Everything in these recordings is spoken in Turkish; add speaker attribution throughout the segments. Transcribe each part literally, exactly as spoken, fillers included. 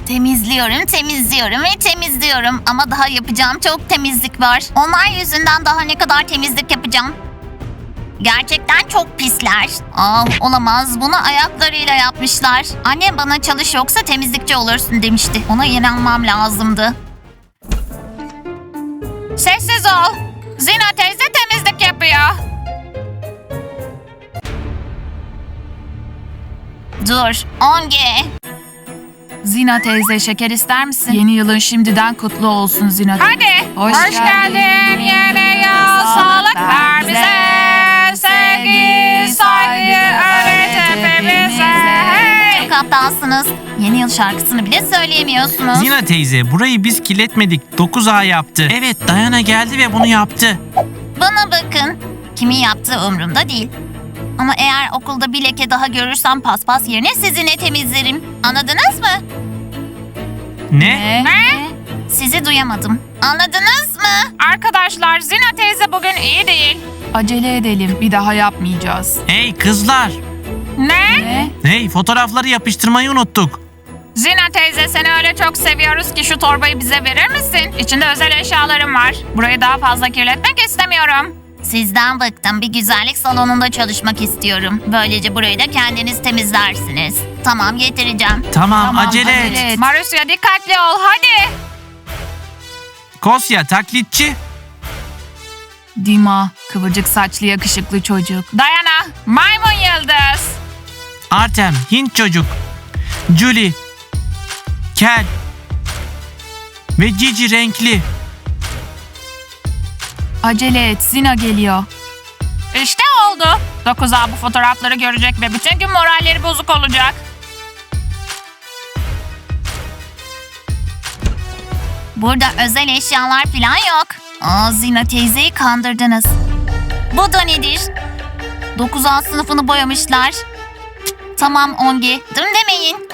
Speaker 1: Temizliyorum, temizliyorum ve temizliyorum. Ama daha yapacağım çok temizlik var. Onlar yüzünden daha ne kadar temizlik yapacağım. Gerçekten çok pisler. Ah, olamaz. Bunu ayaklarıyla yapmışlar. Annem bana çalış yoksa temizlikçi olursun demişti. Ona inanmam lazımdı. Sessiz ol. Zina teyze temizlik yapıyor. Dur, Onge.
Speaker 2: Zina teyze şeker ister misin? Yeni yılın şimdiden kutlu olsun Zina.
Speaker 1: Hadi.
Speaker 2: Hoş,
Speaker 1: Hoş geldin yeni yıl. Sağlık ver bize. Sevgi, saygı öğret hepimize. Hey. Çok aptalsınız. Yeni yıl şarkısını bile söyleyemiyorsunuz.
Speaker 3: Zina teyze burayı biz kirletmedik. dokuz A yaptı. Evet Dayana geldi ve bunu yaptı.
Speaker 1: Bana bakın. Kimin yaptığı umurumda değil. Ama eğer okulda bir leke daha görürsem paspas yerine sizinle temizlerim. Anladınız mı?
Speaker 3: Ne?
Speaker 1: Ne? Sizi duyamadım. Anladınız mı? Arkadaşlar Zina teyze bugün iyi değil.
Speaker 2: Acele edelim. Bir daha yapmayacağız.
Speaker 3: Hey kızlar.
Speaker 1: Ne?
Speaker 2: Ne?
Speaker 3: Hey fotoğrafları yapıştırmayı unuttuk.
Speaker 1: Zina teyze seni öyle çok seviyoruz ki şu torbayı bize verir misin? İçinde özel eşyalarım var. Burayı daha fazla kirletmek istemiyorum. Sizden bıktım. Bir güzellik salonunda çalışmak istiyorum. Böylece burayı da kendiniz temizlersiniz. Tamam getireceğim.
Speaker 3: Tamam,
Speaker 2: Tamam,
Speaker 3: acele,
Speaker 2: acele
Speaker 3: et.
Speaker 2: et.
Speaker 1: Marusya dikkatli ol hadi.
Speaker 3: Kosya taklitçi.
Speaker 2: Dima, kıvırcık saçlı yakışıklı çocuk.
Speaker 1: Dayana maymun yıldız.
Speaker 3: Artem Hint çocuk. Julie. Kel. Ve Cici renkli.
Speaker 2: Acele et, Zina geliyor.
Speaker 1: İşte oldu. dokuz A bu fotoğrafları görecek ve bütün gün moralleri bozuk olacak. Burada özel eşyalar falan yok. Aa, Zina teyzeyi kandırdınız. Bu da nedir? dokuz A sınıfını boyamışlar. Tamam Ongi, dur demeyin.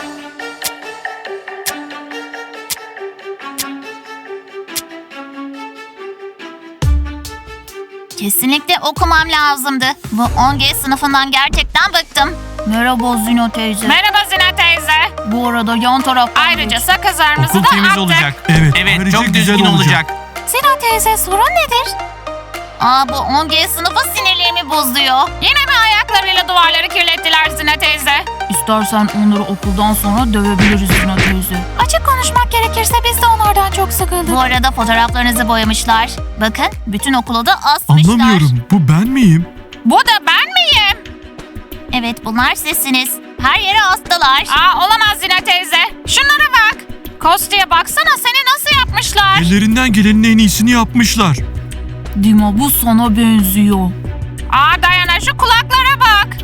Speaker 1: Kesinlikle okumam lazımdı. Bu Ongi sınıfından gerçekten bıktım. Merhaba Zina teyze. Merhaba Zina teyze. Bu arada yan taraf. Ayrıca sakızlarımızı
Speaker 3: Okul
Speaker 1: da
Speaker 3: temiz
Speaker 1: attık.
Speaker 3: olacak.
Speaker 4: Evet,
Speaker 3: Evet
Speaker 4: ayrıca
Speaker 3: çok
Speaker 4: güzel
Speaker 3: düzgün olacak.
Speaker 4: olacak.
Speaker 1: Zina teyze sorun nedir? Aa bu Ongi sınıfı sinirlerimi bozuyor. Yine mi ayaklarıyla duvarları kirlettiler Zina teyze?
Speaker 2: İstersen onları okuldan sonra dövebiliriz Zina teyze.
Speaker 1: Açık konuşmak gerekirse biz de onlardan çok sıkıldık. Bu arada fotoğraflarınızı boyamışlar. Bakın bütün okulu da asmışlar.
Speaker 4: Anlamıyorum. Bu ben miyim?
Speaker 1: Bu da ben miyim? Evet bunlar sizsiniz. Her yere astılar. Aa olamaz Zina teyze. Şunlara bak. Kostya'ya baksana seni nasıl yapmışlar.
Speaker 4: Ellerinden gelenin en iyisini yapmışlar.
Speaker 2: Dima, bu sana benziyor.
Speaker 1: Aa Dayana şu kulaklara bak.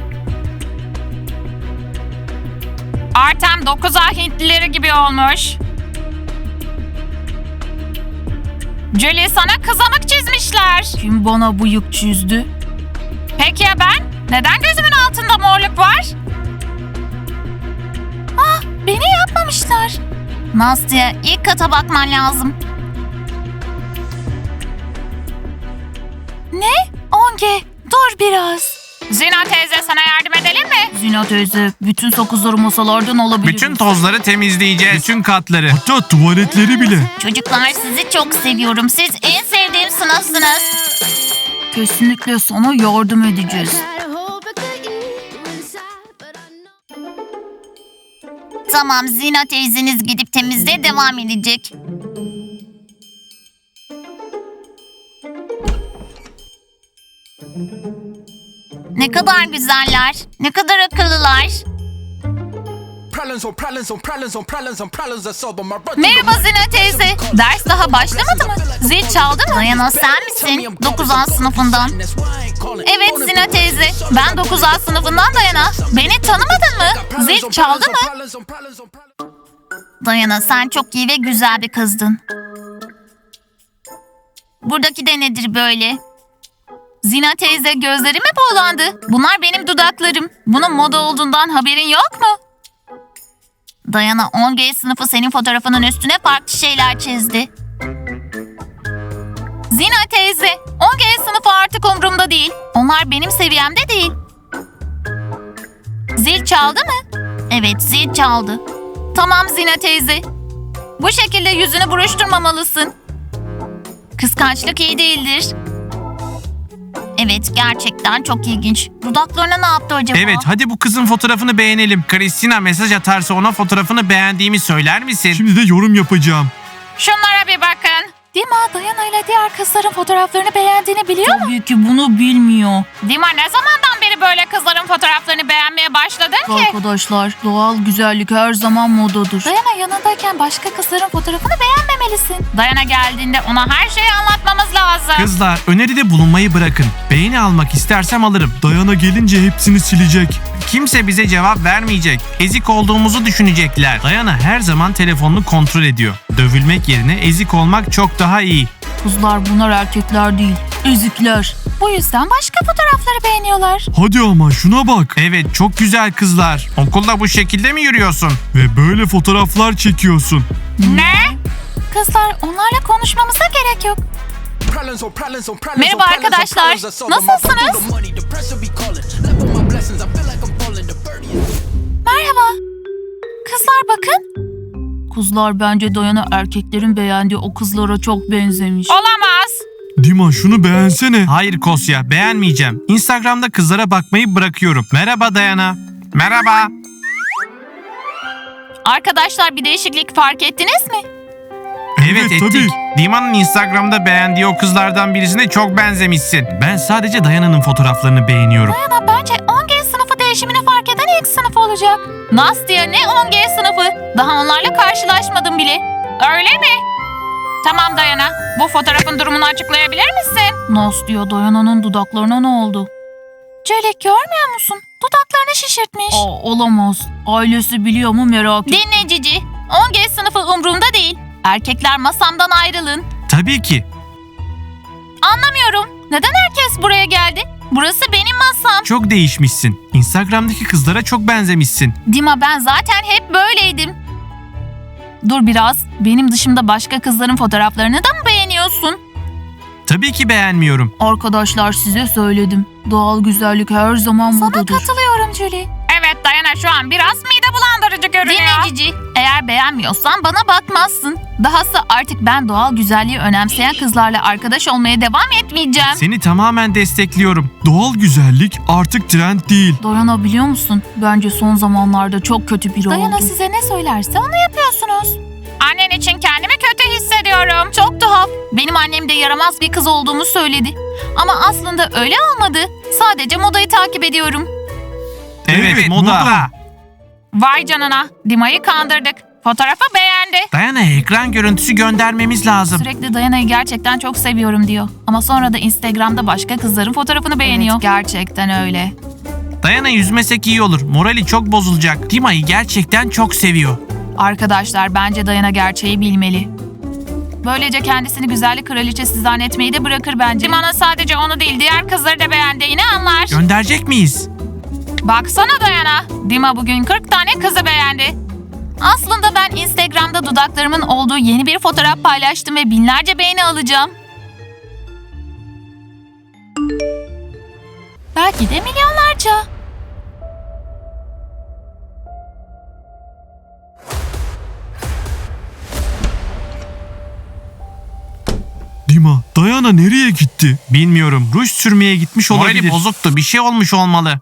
Speaker 1: Artem dokuz A Hintlileri gibi olmuş. Julie sana kızamık çizmişler.
Speaker 2: Kim bana bıyık çizdi?
Speaker 1: Peki ya ben? Neden gözümün altında morluk var? Ah, beni yapmamışlar. Nastya, ilk kata bakman lazım. Ne? Onge, dur biraz. Zina teyze sana yardım edelim mi?
Speaker 2: Zina teyze, bütün sakızları masalardan alabiliriz.
Speaker 3: Bütün tozları temizleyeceğiz. Bütün katları.
Speaker 4: Hatta tuvaletleri bile.
Speaker 1: Çocuklar sizi çok seviyorum. Siz en sevdiğim sınıfsınız.
Speaker 2: Kesinlikle sana yardım edeceğiz.
Speaker 1: Tamam, Zina teyzeniz gidip temizliğe devam edecek. Ne kadar güzeller, ne kadar akıllılar. Merhaba Zina teyze. Ders daha başlamadı mı? Zil çaldı mı? Dayana sen misin? dokuz A sınıfından. Evet Zina teyze. Ben dokuz A sınıfından Dayana. Beni tanımadın mı? Zil çaldı mı? Dayana sen çok iyi ve güzel bir kızdın. Buradaki de nedir böyle? Zina teyze gözleri mi buğulandı? Bunlar benim dudaklarım. Bunun moda olduğundan haberin yok mu? Dayana on G sınıfı senin fotoğrafının üstüne farklı şeyler çizdi. Zina teyze, on G sınıfı artık umurumda değil. Onlar benim seviyemde değil. Zil çaldı mı? Evet, zil çaldı. Tamam Zina teyze. Bu şekilde yüzünü buruşturmamalısın. Kıskançlık iyi değildir. Evet, gerçekten çok ilginç. Dudaklarına ne yaptı acaba?
Speaker 3: Evet, hadi bu kızın fotoğrafını beğenelim. Christina mesaj atarsa ona fotoğrafını beğendiğimi söyler misin?
Speaker 4: Şimdi de yorum yapacağım.
Speaker 1: Şunlara bir bakın.
Speaker 2: Dima, Dayana ile diğer kızların fotoğraflarını beğendiğini biliyor mu? Tabii ki bunu bilmiyor.
Speaker 1: Dima, ne zamandan beri böyle kızların fotoğraflarını beğenmeye başladın ki?
Speaker 2: Arkadaşlar, doğal güzellik her zaman modadır. Dayana yanındayken başka kızların fotoğrafını beğenmemelisin.
Speaker 1: Dayana geldiğinde ona her şeyi anlatmamız lazım.
Speaker 3: Kızlar, öneride bulunmayı bırakın. Beğeni almak istersem alırım.
Speaker 4: Dayana gelince hepsini silecek.
Speaker 3: Kimse bize cevap vermeyecek. Ezik olduğumuzu düşünecekler. Dayana her zaman telefonunu kontrol ediyor. Dövülmek yerine ezik olmak çok daha iyi.
Speaker 2: Kızlar, bunlar erkekler değil, ezikler. Bu yüzden başka fotoğrafları beğeniyorlar.
Speaker 4: Hadi ama şuna bak.
Speaker 3: Evet, çok güzel kızlar. Okulda bu şekilde mi yürüyorsun?
Speaker 4: Ve böyle fotoğraflar çekiyorsun.
Speaker 1: Ne?
Speaker 2: Kızlar, onlarla konuşmamıza gerek yok.
Speaker 1: Merhaba arkadaşlar, nasılsınız?
Speaker 2: Merhaba. Kızlar bakın. Kızlar, bence Dayana erkeklerin beğendiği o kızlara çok benzemiş.
Speaker 1: Olamaz.
Speaker 4: Dima şunu beğensene.
Speaker 3: Hayır Kosya, beğenmeyeceğim. Instagram'da kızlara bakmayı bırakıyorum. Merhaba Dayana. Merhaba.
Speaker 1: Arkadaşlar, bir değişiklik fark ettiniz mi?
Speaker 3: Evet,
Speaker 4: Evet,
Speaker 3: ettik.
Speaker 4: tabii.
Speaker 3: Dima'nın Instagram'da beğendiği o kızlardan birisine çok benzemişsin. Ben sadece Dayana'nın fotoğraflarını beğeniyorum.
Speaker 2: Dayana bence on G sınıfı değişimini fark eden ilk sınıf olacak.
Speaker 1: Nastya, ne on G sınıfı? Daha onlarla karşılaşmadım bile. Öyle mi? Tamam Dayana, bu fotoğrafın durumunu açıklayabilir misin?
Speaker 2: Nastya, Dayana'nın dudaklarına ne oldu? Çelik, görmüyor musun? Dudaklarını şişirtmiş. Aa, olamaz. Ailesi biliyor mu merak et.
Speaker 1: Dinle Cici, on G sınıfı umrumda değil. Erkekler masamdan ayrılın.
Speaker 3: Tabii ki.
Speaker 1: Anlamıyorum. Neden herkes buraya geldi? Burası benim masam.
Speaker 3: Çok değişmişsin. Instagram'daki kızlara çok benzemişsin.
Speaker 1: Dima, ben zaten hep böyleydim.
Speaker 2: Dur biraz. Benim dışımda başka kızların fotoğraflarını da mı beğeniyorsun?
Speaker 3: Tabii ki beğenmiyorum.
Speaker 2: Arkadaşlar, size söyledim. Doğal güzellik her zaman modadır. Sana katılıyorum Julie.
Speaker 1: Evet Dayana, şu an biraz mide bulandırıcı görünüyor. Dinle Cici, eğer beğenmiyorsan bana bakmazsın. Dahası artık ben doğal güzelliği önemseyen kızlarla arkadaş olmaya devam etmeyeceğim.
Speaker 3: Seni tamamen destekliyorum.
Speaker 4: Doğal güzellik artık trend değil.
Speaker 2: Dayana, biliyor musun? Bence son zamanlarda çok kötü biri oldu. Dayana size ne söylerse onu yapıyorsunuz.
Speaker 1: Annen için kendimi kötü hissediyorum. Çok tuhaf. Benim annem de yaramaz bir kız olduğumu söyledi. Ama aslında öyle olmadı. Sadece modayı takip ediyorum.
Speaker 3: Evet,
Speaker 4: Evet,
Speaker 3: moda.
Speaker 4: moda.
Speaker 1: Vay canına, Dima'yı kandırdık. Fotoğrafı beğendi.
Speaker 3: Dayana'ya ekran görüntüsü göndermemiz lazım.
Speaker 2: Sürekli Dayana'yı gerçekten çok seviyorum diyor. Ama sonra da Instagram'da başka kızların fotoğrafını beğeniyor. Evet, gerçekten öyle.
Speaker 3: Dayana yüzmesek iyi olur. Morali çok bozulacak. Dima'yı gerçekten çok seviyor.
Speaker 2: Arkadaşlar, bence Dayana gerçeği bilmeli. Böylece kendisini güzellik kraliçesi zannetmeyi de bırakır bence.
Speaker 1: Dima'nın sadece onu değil, diğer kızları da beğendiğini anlar.
Speaker 3: Gönderecek miyiz?
Speaker 1: Baksana Dayana, Dima bugün kırk tane kızı beğendi.
Speaker 2: Aslında ben Instagram'da dudaklarımın olduğu yeni bir fotoğraf paylaştım ve binlerce beğeni alacağım. Belki de milyonlarca.
Speaker 4: Dima, Dayana nereye gitti?
Speaker 3: Bilmiyorum. Ruj sürmeye gitmiş olabilir. Morali bozuktu. Bir şey olmuş olmalı.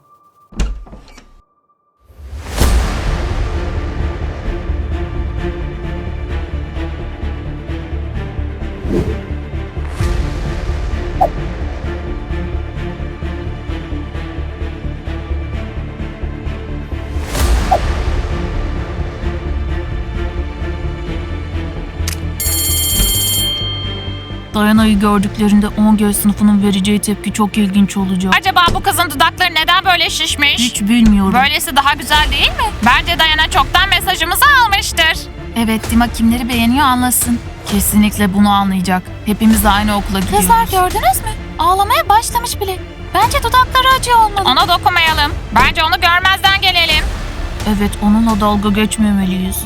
Speaker 2: Dayana'yı gördüklerinde on G sınıfının vereceği tepki çok ilginç olacak.
Speaker 1: Acaba bu kızın dudakları neden böyle şişmiş?
Speaker 2: Hiç bilmiyorum.
Speaker 1: Böylesi daha güzel değil mi? Bence Dayana çoktan mesajımızı almıştır.
Speaker 2: Evet, Dima kimleri beğeniyor anlasın. Kesinlikle bunu anlayacak. Hepimiz aynı okula gidiyoruz. Kızlar, gördünüz mü? Ağlamaya başlamış bile. Bence dudakları acıyor olmalı.
Speaker 1: Ona dokunmayalım. Bence onu görmezden gelelim.
Speaker 2: Evet, onunla dalga geçmemeliyiz.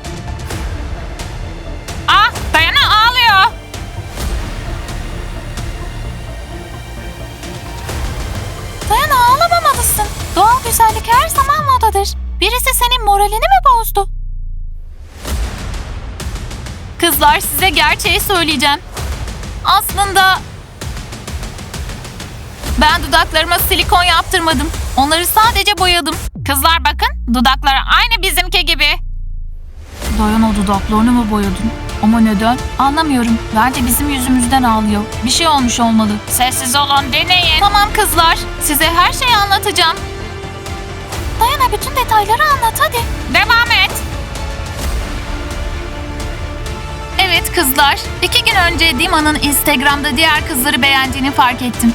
Speaker 1: Ah, Dayana ağlıyor.
Speaker 2: Dayana, ağlamamalısın. Doğal güzellik her zaman modadır. Birisi senin moralini mi bozdu? Kızlar, size gerçeği söyleyeceğim. Aslında ben dudaklarıma silikon yaptırmadım. Onları sadece boyadım. Kızlar bakın, dudakları aynı bizimki gibi. Dayana, dudaklarını mı boyadın? Ama neden? Anlamıyorum. Bence bizim yüzümüzden ağlıyor. Bir şey olmuş olmalı. Sessiz olun, deneyin. Tamam kızlar, size her şeyi anlatacağım. Dayana, bütün detayları anlat hadi. Devam et. Evet kızlar, iki gün önce Dima'nın Instagram'da diğer kızları beğendiğini fark ettim.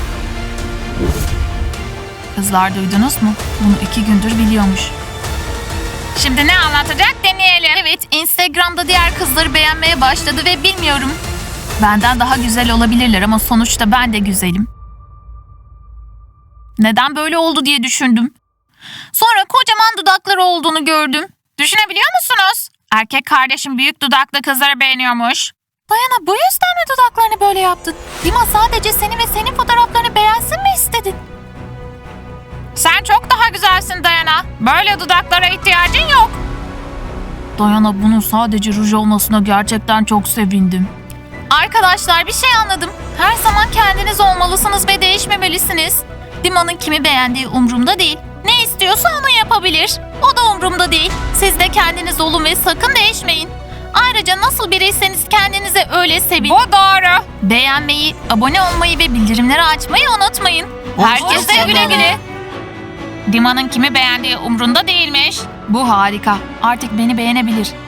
Speaker 2: Kızlar, duydunuz mu? Bunu iki gündür biliyormuş. Şimdi ne anlatacak deneyelim. Evet, Instagram'da diğer kızları beğenmeye başladı ve bilmiyorum. Benden daha güzel olabilirler ama sonuçta ben de güzelim. Neden böyle oldu diye düşündüm. Sonra kocaman dudakları olduğunu gördüm. Düşünebiliyor musunuz? Erkek kardeşim büyük dudaklı kızları beğeniyormuş. Dayana, bu yüzden mi dudaklarını böyle yaptın? Dima sadece seni ve senin fotoğraflarını beğensin mi istedin? Sen çok daha güzelsin Dayana. Böyle dudaklara ihtiyacın yok. Dayana, bunun sadece ruj olmasına gerçekten çok sevindim. Arkadaşlar, bir şey anladım. Her zaman kendiniz olmalısınız ve değişmemelisiniz. Dima'nın kimi beğendiği umurumda değil. Ne istiyorsa onu yapabilir. O da umurumda değil. Siz de kendiniz olun ve sakın değişmeyin. Ayrıca nasıl biriyseniz kendinize öyle sevin. Bu doğru. Beğenmeyi, abone olmayı ve bildirimleri açmayı unutmayın. Herkese güle güle. Dima'nın kimi beğendiği umrunda değilmiş. Bu harika. Artık beni beğenebilir.